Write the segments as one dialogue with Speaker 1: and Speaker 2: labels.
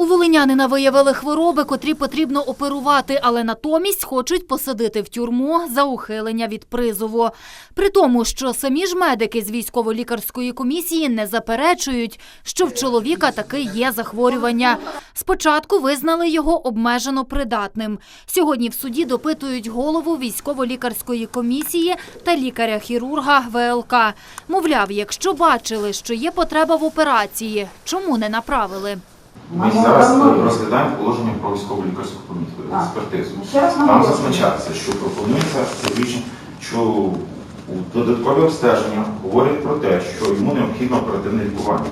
Speaker 1: У волинянина виявили хвороби, котрі потрібно оперувати, але натомість хочуть посадити в тюрму за ухилення від призову. При тому, що самі ж медики з військово-лікарської комісії не заперечують, що в чоловіка таки є захворювання. Спочатку визнали його обмежено придатним. Сьогодні в суді допитують голову військово-лікарської комісії та лікаря-хірурга ВЛК. Мовляв, якщо бачили, що є потреба в операції, чому не направили?
Speaker 2: Ми зараз розглядаємо положення про військово-лікарську експертизу. Там зазначається, що пропонується заключення, що у додаткові обстеження говорять про те, що йому необхідно оперативне лікування.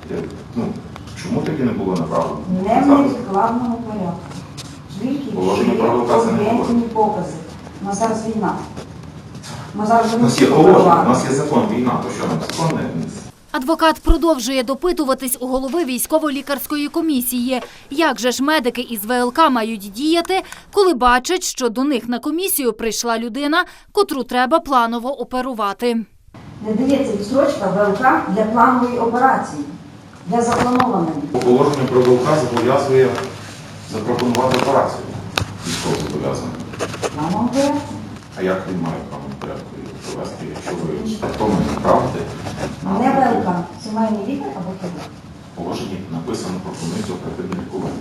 Speaker 2: Чому таки не було направлено?
Speaker 3: Не в невідкладному порядку. Тільки об'єктивні покази. У нас зараз війна.
Speaker 2: У нас є положення, у нас є закон, війна, то що нам закон не вніс?
Speaker 1: Адвокат продовжує допитуватись у голови військово-лікарської комісії. Як же ж медики із ВЛК мають діяти, коли бачать, що до них на комісію прийшла людина, котру треба планово оперувати?
Speaker 3: Не дається відстрочка ВЛК для планової операції, для запланованої.
Speaker 2: Положення про ВЛК зобов'язує запропонувати операцію військово-зобов'язаного.
Speaker 3: Плановому порядку.
Speaker 2: А як він має право порядку провести, якщо ви хто мене направите?
Speaker 3: Не ВЛК, сімейний лікар або хто?
Speaker 2: В положенні написано пропонується оперативне лікування.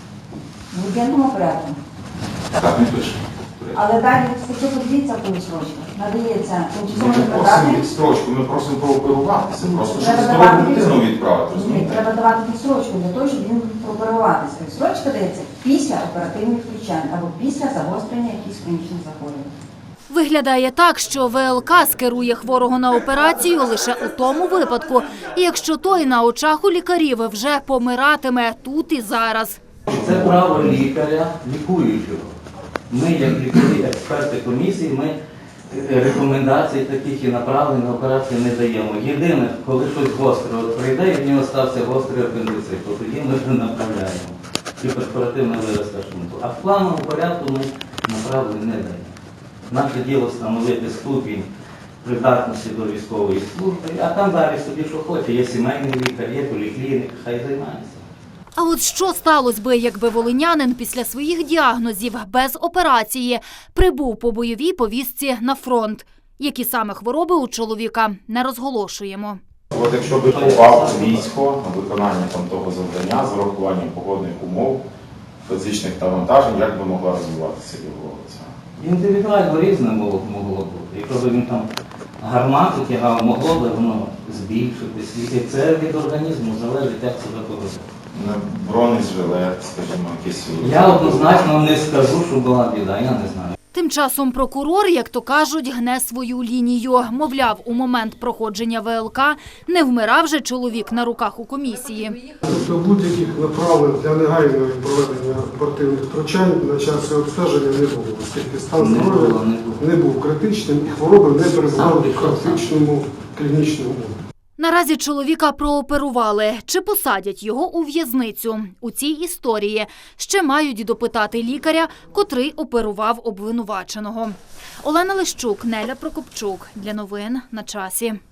Speaker 3: В ургентному порядку.
Speaker 2: Так не пише.
Speaker 3: Але далі спочатку подивіться в відстрочку. Надається
Speaker 2: Ми
Speaker 3: тимчасово
Speaker 2: не просимо
Speaker 3: непридатний.
Speaker 2: відстрочку, ми просимо прооперуватися. Просто щоб
Speaker 3: Треба
Speaker 2: здорову
Speaker 3: давати
Speaker 2: дитину відправити.
Speaker 3: Ні,
Speaker 2: розумієте?
Speaker 3: треба давати відстрочку для того, щоб він прооперуватися. Відстрочка дається після оперативних втручань або після загострення якихось хронічних захворювань.
Speaker 1: Виглядає так, що ВЛК скерує хворого на операцію лише у тому випадку, якщо той на очах у лікарів вже помиратиме тут і зараз.
Speaker 4: Це право лікаря, лікуючого. Ми, як лікарі, експерти комісії, ми рекомендацій таких і направлень на операцію не даємо. Єдине, коли щось гостре прийде, і в нього стався гострий апендицит, то тоді ми вже направляємо. І перфоративна виразка шунту. А в плановому порядку ми направлень не даємо. Наше діло встановити ступінь придатності до військової служби, а там далі собі що хоче. Є сімейний лікар, є поліклініка, хай займається.
Speaker 1: А от що сталося би, якби волинянин після своїх діагнозів без операції прибув по бойовій повістці на фронт? Які саме хвороби у чоловіка, не розголошуємо.
Speaker 2: От якщо би попав у військо на виконання того завдання з урахуванням погодних умов, фізичних навантажень, як би могла розвиватися його ця?
Speaker 4: Індивідуально різне могло бути. Якщо б він там гармату тягав, могло б воно збільшитись. І це від організму залежить, як себе поведе.
Speaker 2: Бронежилет, скажімо, якісь...
Speaker 4: Я однозначно не скажу, що була біда, я не знаю.
Speaker 1: Тим часом прокурор, як то кажуть, гне свою лінію. Мовляв, у момент проходження ВЛК не вмирав же чоловік на руках у комісії.
Speaker 5: Тобто будь-яких направлень для негайного проведення оперативних втручань на час обстеження не було, оскільки стан здоров'я не був критичним і хвороби не призвали в критичному клінічному умові.
Speaker 1: Наразі чоловіка прооперували. Чи посадять його у в'язницю? У цій історії ще мають допитати лікаря, котрий оперував обвинуваченого. Олена Лищук, Неля Прокопчук. Для новин на часі.